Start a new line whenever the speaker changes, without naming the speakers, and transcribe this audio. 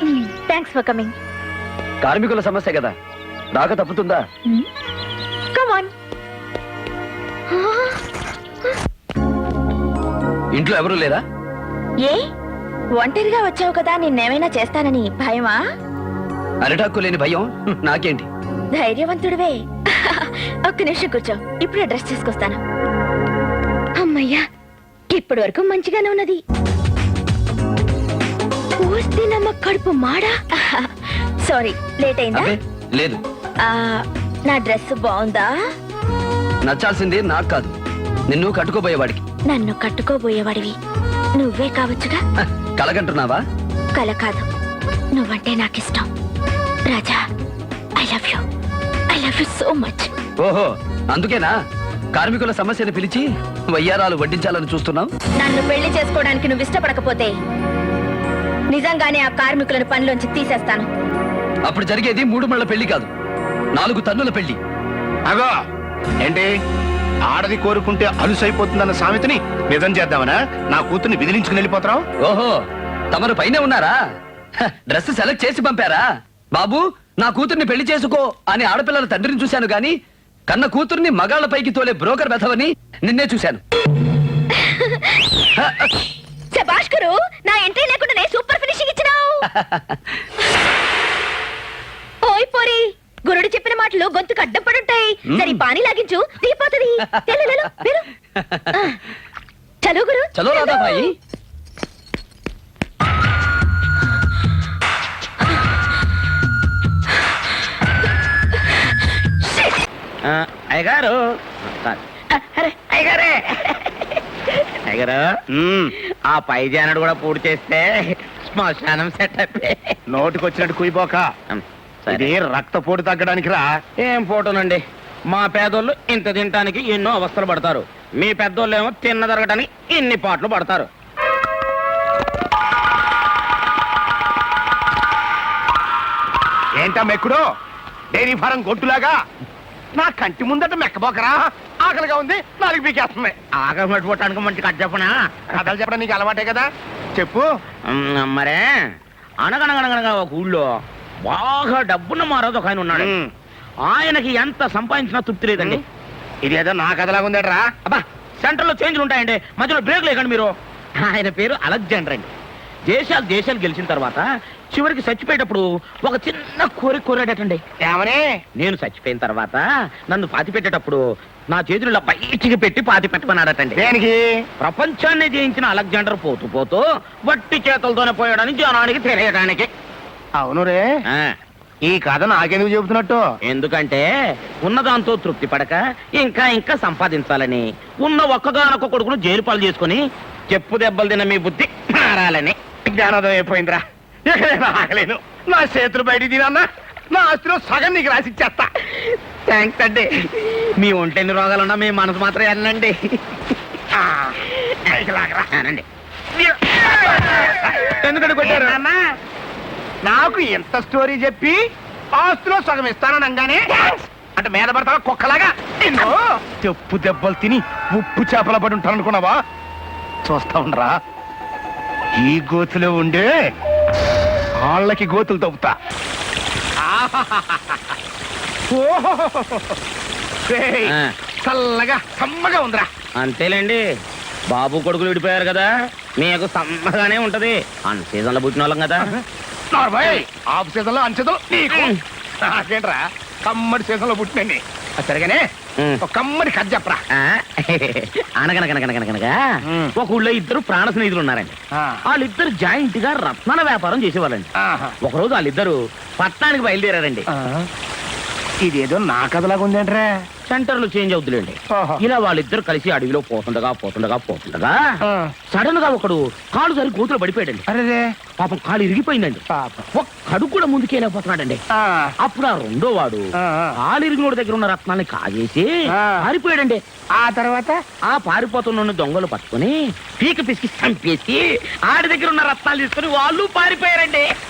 Thanks for coming.
కార్మికుల సమస్య కదా, రాక తప్పుతుందా?
Come on.
ఇంట్లో ఎవరూ లేరా?
ఏ ఒంటరిగా వచ్చావు కదా, నిన్నేమైనా చేస్తానని భయమా?
అరిటాక్కు లేని భయం నాకేంటి?
ధైర్యవంతుడివే. ఒక్క నిమిషం కూర్చో, ఇప్పుడే డ్రెస్ తీసుకొస్తాను. అమ్మయ్యా, ఇప్పటి వరకు మంచిగానే ఉన్నది. నమ్మ కడుపు మాడా. సారీ, లేట్ అయిందా?
లేదు.
నా డ్రెస్ బాగుందా?
నచ్చాల్సింది నాకు కాదు, నిన్ను కట్టుకోబోయేవాడికి.
నన్ను కట్టుకోబోయేవాడివి నువ్వే కావచ్చుగా.
కలగంటున్నావా?
కల కాదు, నువ్వంటే నాకిష్టం Raja. I love you, I love you so much.
ఓహో, అందుకేనా కార్మికుల సమస్యను పిలిచి వయ్యారాలు వడ్డించాలని చూస్తున్నావు?
నన్ను పెళ్లి చేసుకోవడానికి నువ్వు ఇష్టపడకపోతే నిజంగానే ఆ కార్మికులను పనిలోంచి తీసేస్తాను.
అప్పుడు జరిగేది 3 మళ్ళ పెళ్లి కాదు, 4 తన్నుల పెళ్లి.
అగో ఏంటి, ఆడది కోరుకుంటే అలుసైపోతుందన్న సామెతని నిజం చేద్దామనా? నా కూతుర్ని విదిలించుకుని వెళ్ళిపోతావు?
ఓహో, తమరు పైనే ఉన్నారా? డ్రెస్ సెలెక్ట్ చేసి పంపారా? బాబు, నా కూతుర్ని పెళ్లి చేసుకో అని ఆడపిల్లల తండ్రిని చూశాను గాని కన్న కూతుర్ని మగాళ్ల పైకి తోలే బ్రోకర్ వెధవని నిన్నే చూశాను.
భాస్కరు, నా ఎంట్రీ లేకుండానే సూపర్ ఫినిషింగ్ ఇచ్చినావు. ఓయ్ పోరి, గురుడు చెప్పిన మాటలు గొంతుకు అడ్డం పడుంటాయి. సరే పానీ లాగించు, దిగిపోతుంది. చలో గురు,
చలో రాధా భాయి.
అయ్యగారు, అయ్యగారే, అయ్యగారు, ఆ పై జానడు కూడా పూర్తి చేస్తే శ్మశానం సెట్ అయిపోయి.
నోటికొచ్చినట్టు కుయిపోక, ఇది రక్తపోటు తగ్గడానికి రా.
ఏం ఫోటోనండి, మా పేదోళ్ళు ఇంత తినటానికి ఎన్నో అవస్థలు పడతారు, మీ పెద్దోళ్ళు ఏమో తిన్న జరగటానికి ఇన్ని పాటలు పడతారు.
ఏంటా మెక్కుడు, డైరీ ఫారం గొట్టులాగా నా కంటి ముందట మెక్కబోకరా. ఆకలిగా ఉంది, నాలుగు పీకేస్తుంది.
ఆకలి పట్టుకోవటానికి మంచి కథ చెప్పనా?
కథలు చెప్పడం నీకు అలవాటే కదా, చెప్పు.
మరే, అనగనగనగనగా ఒక ఊళ్ళో బాగా డబ్బున్న మారాదు ఒక ఆయన ఉన్నాడు. ఆయనకి ఎంత సంపాదించినా తృప్తి లేదండి.
ఇదేదో నా కథలాగా ఉందేట్రా.
అబ్బా, సెంటర్ లో చేంజ్లు ఉంటాయండి, మధ్యలో బ్రేక్ లేకండి మీరు. ఆయన పేరు అలెగ్జాండర్ అండి. దేశాలు గెలిచిన తర్వాత చివరికి చచ్చిపోయేటప్పుడు ఒక చిన్న కోరాడటండి.
ఏమని?
నేను చచ్చిపోయిన తర్వాత నన్ను పాతి పెట్టేటప్పుడు నా చేతులు బయటికి పెట్టి పాతి పెట్టమన్నాడటండి.
దేనికి?
ప్రపంచాన్ని జయించిన అలెగ్జాండర్ పోతూ పోతూ వట్టి చేతులతోనే పోయాడని జనానికి తెలియడానికి.
అవును రే, ఈ కథ నాకెందుకు చెబుతున్నట్టు?
ఎందుకంటే ఉన్నదాంతో తృప్తి పడక ఇంకా ఇంకా సంపాదించాలని, ఉన్న ఒక్కగానొక్క కొడుకును జైలు పాలు చేసుకుని చెప్పు దెబ్బలు తిన్న మీ బుద్ధి మారాలని.
జ్ఞానోదయం అయిపోయిందిరా. ఎక్కడైనా ఆగలేను. నా చేతులు బయట తినన్నా నా ఆస్తిలో సగం నీకు రాసిచ్చేస్తా.
థ్యాంక్స్ అండి. మీ ఒంటెన్ని రోగాలున్నా మీ మనసు మాత్రం వెళ్ళండి.
ఎందుకంటే కొట్టారు అన్నా? నాకు ఎంత స్టోరీ చెప్పి ఆస్తిలో సగం ఇస్తాననగానే అంటే మీద పడతావా కుక్కలాగా? చెప్పు దెబ్బలు తిని ఉప్పు చేపల పడి ఉంటాను అనుకున్నావా? చూస్తా ఉండరా, ఈ గోతులో ఉండే వాళ్ళకి గోతులు తవ్వుతా. చల్లగా సమ్మగా ఉందిరా.
అంతేలేండి, బాబు కొడుకులు విడిపోయారు కదా, మీకు సమ్మగానే ఉంటది. అన్ సీజన్ లో పుట్టిన వాళ్ళం కదా.
ఆఫ్ సీజన్ లో అన్ సీజన్ నీకు నాకేంట్రా, కమ్మడి సీజన్ లో పుట్టినండి. సరిగానే ఒక కమ్మడి కథ చెప్పరా.
అనగనగనగనగనగా ఒక ఊళ్ళో ఇద్దరు ప్రాణ స్నేహితులు ఉన్నారండి. వాళ్ళిద్దరు జాయింట్ గా రత్నాల వ్యాపారం చేసేవాళ్ళండి. ఒకరోజు వాళ్ళిద్దరు పట్టణానికి బయలుదేరారండి.
ఇదేదో నా కథలాగా ఉందేంట్రా.
సెంటర్లు చేంజ్ అవుతులేండి. ఇలా వాళ్ళిద్దరు కలిసి అడవిలో పోతుండగా సడన్ గా ఒకడు కాలు సరి గోతులో పడిపోయాడండి.
అరే
పాపం కాలు ఇరిగిపోయిందండి. ఒక్కడు కూడా ముందుకెళ్ళిపోతున్నాడండి. అప్పుడు ఆ రెండో వాడు కాలు ఇరిగినోడి దగ్గర ఉన్న రత్నాన్ని కాజేసి పారిపోయాడండి.
ఆ తర్వాత
ఆ పారిపోతున్న దొంగలు పట్టుకుని పీక పిసికి చంపేసి ఆడి దగ్గర ఉన్న రత్నాలు తీసుకుని వాళ్ళు పారిపోయారండి.